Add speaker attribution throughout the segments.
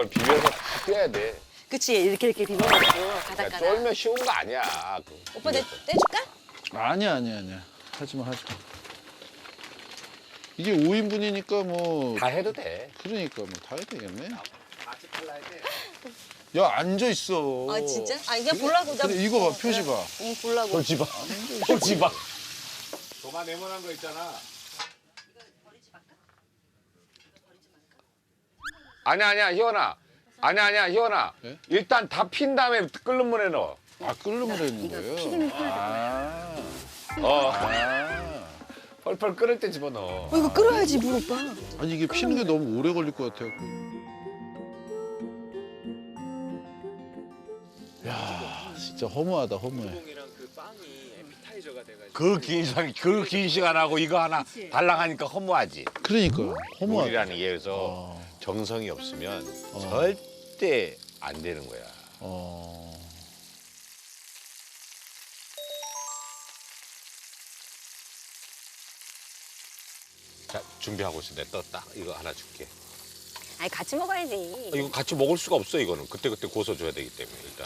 Speaker 1: 그걸 비벼서 떼야 돼.
Speaker 2: 그치 이렇게 비벼가지고
Speaker 1: 야,
Speaker 2: 가닥가닥.
Speaker 1: 쫄면 쉬운 거 아니야.
Speaker 2: 오빠 떼줄까?
Speaker 3: 아니야. 하지마. 이게 5인분이니까 뭐
Speaker 1: 다 해도 돼.
Speaker 3: 그러니까 뭐 다 해도 되겠네. 야 앉아 있어.
Speaker 2: 아 진짜? 아 그냥 보려고.
Speaker 3: 그래 이거 봐 표지 봐.
Speaker 2: 응 보려고.
Speaker 1: 돌지마. 돌지마. 도마 네모난 거 있잖아. 아니야 희원아. 아니야 희원아.
Speaker 3: 네?
Speaker 1: 일단 다 핀 다음에 끓는 물에 넣어.
Speaker 3: 아 끓는 물에 있는 거예요?
Speaker 1: 펄펄 끓을 때 집어넣어.
Speaker 2: 이거 끓여야지 물 오빠.
Speaker 3: 아니 이게 피는 게 너무 오래 걸릴 것 같아요. 야 진짜 허무하다 허무해.
Speaker 1: 그 긴 시간하고 이거 하나 달랑하니까 허무하지.
Speaker 3: 그러니까 허무하다.
Speaker 1: 요리라는 게 여기서 정성이 없으면 절대 안 되는 거야. 자, 준비하고 있어. 내가 떴다. 이거 하나 줄게.
Speaker 2: 아니 같이 먹어야지.
Speaker 1: 이거 같이 먹을 수가 없어, 이거는. 그때그때 고소줘야 되기 때문에, 일단.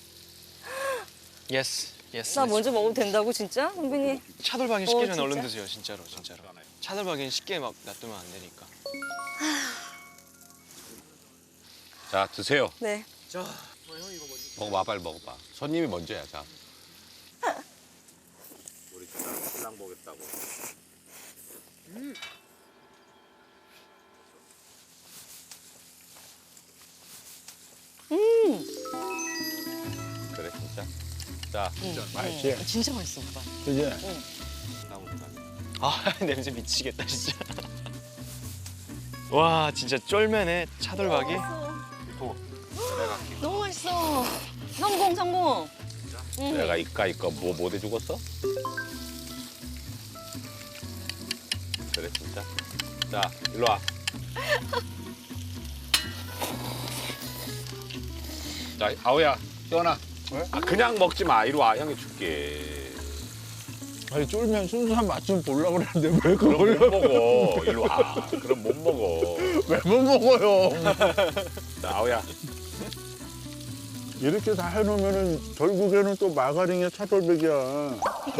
Speaker 4: 예스.
Speaker 2: 나 먼저 먹어도 된다고 진짜? 선배님.
Speaker 4: 차돌박이 식기 전에
Speaker 2: 진짜?
Speaker 4: 얼른 드세요, 진짜로. 차돌박이는 쉽게 막 놔두면 안 되니까.
Speaker 1: 자, 드세요.
Speaker 2: 네.
Speaker 1: 먹어봐, 빨리 먹어봐. 손님이 먼저야, 자. 우리 신랑 보겠다고. 그래, 진짜? 자,
Speaker 3: 맛있지?
Speaker 2: 진짜 맛있어 오빠.
Speaker 3: 그지?
Speaker 4: 아, 냄새 미치겠다, 진짜. 와, 진짜 쫄면에 차돌박이?
Speaker 2: 너무 맛있어. 성공.
Speaker 1: 내가 이까 뭐 대주겠어? 그래, 진짜? 자, 일로 와. 자, 아우야, 희원아.
Speaker 3: 왜?
Speaker 1: 아, 그냥 먹지 마. 이리 와, 형이 줄게.
Speaker 3: 아니 쫄면 순수한 맛 좀 보려고 그랬는데 왜
Speaker 1: 그럼
Speaker 3: 그걸
Speaker 1: 못 먹어. 이리 와. 그럼 못 먹어.
Speaker 3: 왜 못 먹어요?
Speaker 1: 자, 아우야.
Speaker 3: 이렇게 다 해놓으면은 결국에는 또 마가링에 차돌백이야.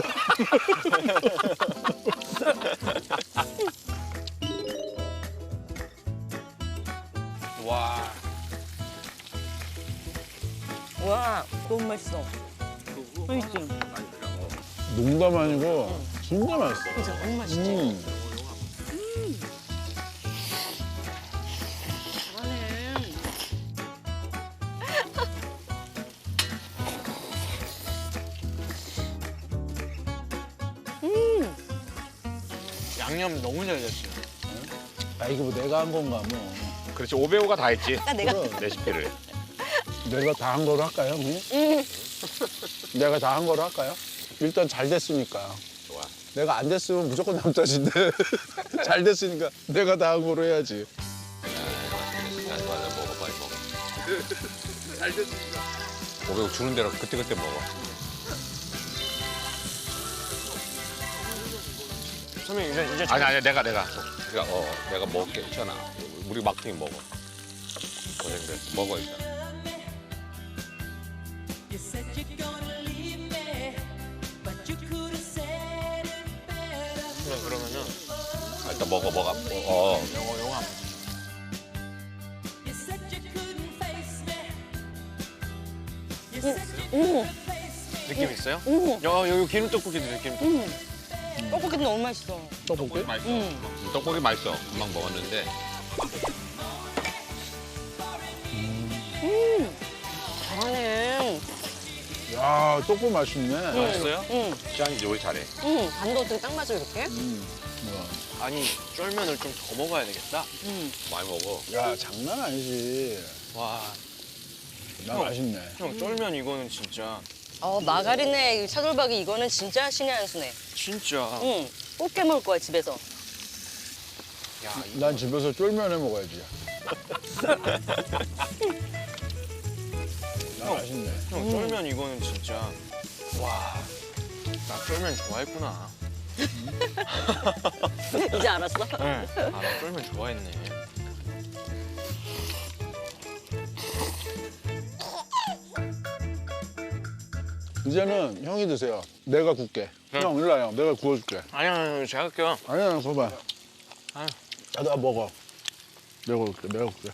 Speaker 4: 와.
Speaker 2: 와 너무 맛있어. 맛있지?
Speaker 3: 농담 아니고 진짜 맛있어.
Speaker 2: 진짜 너무 맛있지? 잘하네.
Speaker 4: 양념 너무 잘 됐어요.
Speaker 3: 아 이거 뭐 내가 한 건가 뭐.
Speaker 1: 그렇지, 오배우가 다 했지.
Speaker 2: 내가
Speaker 1: 레시피를.
Speaker 3: 내가 다 한 거로 할까요, 형님? 내가 다 한 거로 할까요? 일단 잘 됐으니까.
Speaker 1: 좋아.
Speaker 3: 내가 안 됐으면 무조건 남 탓인데 잘 됐으니까 내가 다 한 거로 해야지.
Speaker 1: 자, 먹어, 빨리 먹어. 잘 됐으니까. 오배우 주는 대로 그때그때 먹어.
Speaker 4: 선배님, 이제
Speaker 1: 아니, 내가. 내가 먹을게. 괜찮아. 우리 막둥이 먹어. 고생돼. 먹어, 일단.
Speaker 5: You said you're gonna leave me, but you could have said it better.
Speaker 4: 그러면은
Speaker 1: 일단 먹어.
Speaker 4: 영어 안
Speaker 5: You said you couldn't face me. You said you couldn't face me.
Speaker 4: 느낌 있어요? 야, 여기 기름 떡볶이 드세요, 기름 떡볶이.
Speaker 2: 떡볶이도 너무 맛있어.
Speaker 3: 떡볶이?
Speaker 1: 맛있어. 떡볶이 맛있어. 금방 먹었는데.
Speaker 2: 잘하네.
Speaker 3: 야 떡볶이 맛있네.
Speaker 4: 맛있어요?
Speaker 1: 시장이 요리 잘해.
Speaker 2: 간도 어떻게 딱 맞아 이렇게?
Speaker 4: 아니, 쫄면을 좀 더 먹어야 되겠다.
Speaker 1: 많이 먹어.
Speaker 3: 야 장난 아니지.
Speaker 4: 와,
Speaker 3: 나 맛있네.
Speaker 4: 형, 쫄면 이거는 진짜,
Speaker 2: 마가린에 이 차돌박이 이거는 진짜 신의 한 수네.
Speaker 4: 진짜.
Speaker 2: 응. 꼭 깨먹을 거야 집에서.
Speaker 4: 야,
Speaker 3: 난 집에서 쫄면 해 먹어야지. 나 맛있네.
Speaker 4: 형, 쫄면 이거는 진짜. 와, 나 쫄면 좋아했구나.
Speaker 2: 이제 알았어?
Speaker 4: 네. 아, 나 쫄면 좋아했네.
Speaker 3: 이제는 형이 드세요. 내가 굽게. 형 일로 와요. 내가 구워줄게.
Speaker 4: 아니야, 제가 할게요.
Speaker 3: 아니야, 봐봐.
Speaker 4: 아유.
Speaker 3: 야, 나 먹어. 내가 굽게. 내가 굽게.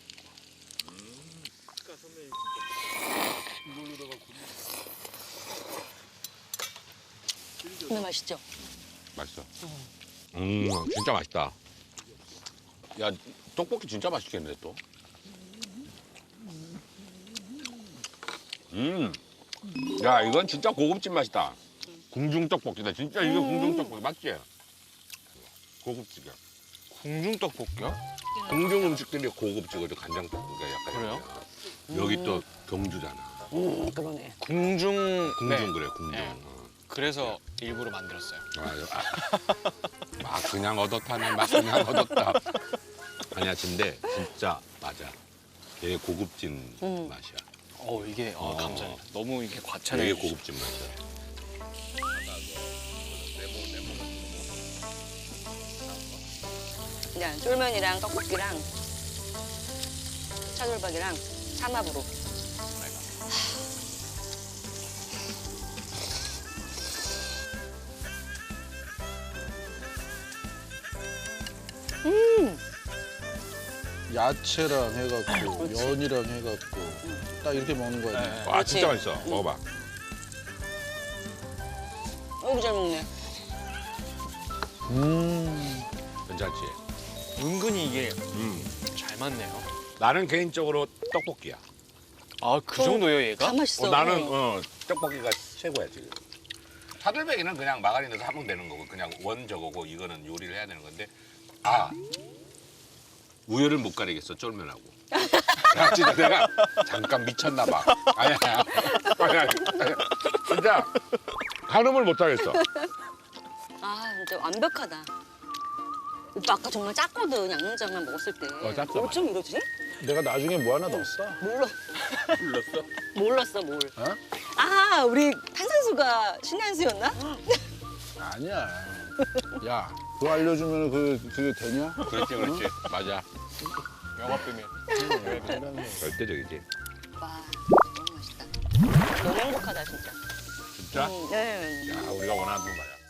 Speaker 2: 근데 맛있죠?
Speaker 1: 맛있어. 진짜 맛있다. 야, 떡볶이 진짜 맛있겠네 또. 야, 이건 진짜 고급진 맛이다. 궁중 떡볶이다. 진짜 이게 궁중 떡볶이 맞지? 고급지게.
Speaker 4: 궁중 떡볶이요?
Speaker 1: 궁중 음식들이 고급지거든. 간장 떡볶이가 약간.
Speaker 4: 그래요?
Speaker 1: 여기 또 경주잖아.
Speaker 2: 그러네.
Speaker 4: 궁중.
Speaker 1: 궁중
Speaker 4: 네.
Speaker 1: 그래, 궁중.
Speaker 4: 네. 그래서 일부러 만들었어요.
Speaker 1: 막 그냥 얻었다네, 막 그냥 얻었다. 아니야, 근데 진짜 맞아. 되게 고급진 맛이야.
Speaker 4: 이게 감사합니다. 너무 이게 과찬해.
Speaker 1: 되게 고급진 맛이야.
Speaker 2: 그냥 쫄면이랑 떡볶이랑 차돌박이랑 삼합으로.
Speaker 3: 야채랑 해갖고 면이랑 해갖고 딱 이렇게 먹는 거야.
Speaker 4: 네.
Speaker 1: 와, 진짜 맛있어. 먹어봐.
Speaker 2: 어이구 잘 먹네.
Speaker 1: 괜찮지?
Speaker 4: 은근히 이게 잘 맞네요.
Speaker 1: 나는 개인적으로 떡볶이야.
Speaker 4: 아, 그 정도예요, 얘가?
Speaker 2: 다 맛있어.
Speaker 1: 나는 떡볶이가 최고야 지금. 차돌박이는 그냥 마가린 넣어서 하면 되는 거고 그냥 원 저거고 이거는 요리를 해야 되는 건데 우열을 못 가리겠어 쫄면하고. 야 진짜 내가 잠깐 미쳤나 봐. 아니야. 진짜 가늠을 못 하겠어.
Speaker 2: 아 진짜 완벽하다. 오빠 아까 정말 짰거든 양념장만 먹었을 때.
Speaker 1: 짰어,
Speaker 2: 어쩜 이러지?
Speaker 3: 내가 나중에 뭐 하나 넣었어.
Speaker 1: 불렀어?
Speaker 2: 몰랐어 뭘.
Speaker 3: 어?
Speaker 2: 아 우리 탄산수가 신의 한 수였나?
Speaker 3: 아니야. 야, 그거 알려주면 그게 되냐?
Speaker 1: 그렇지 맞아.
Speaker 4: 영업 비밀.
Speaker 1: 절대적이지.
Speaker 2: 와 너무 맛있다. 너무 행복하다 진짜.
Speaker 1: 진짜?
Speaker 2: 네.
Speaker 1: 야 우리가 원하는 거야.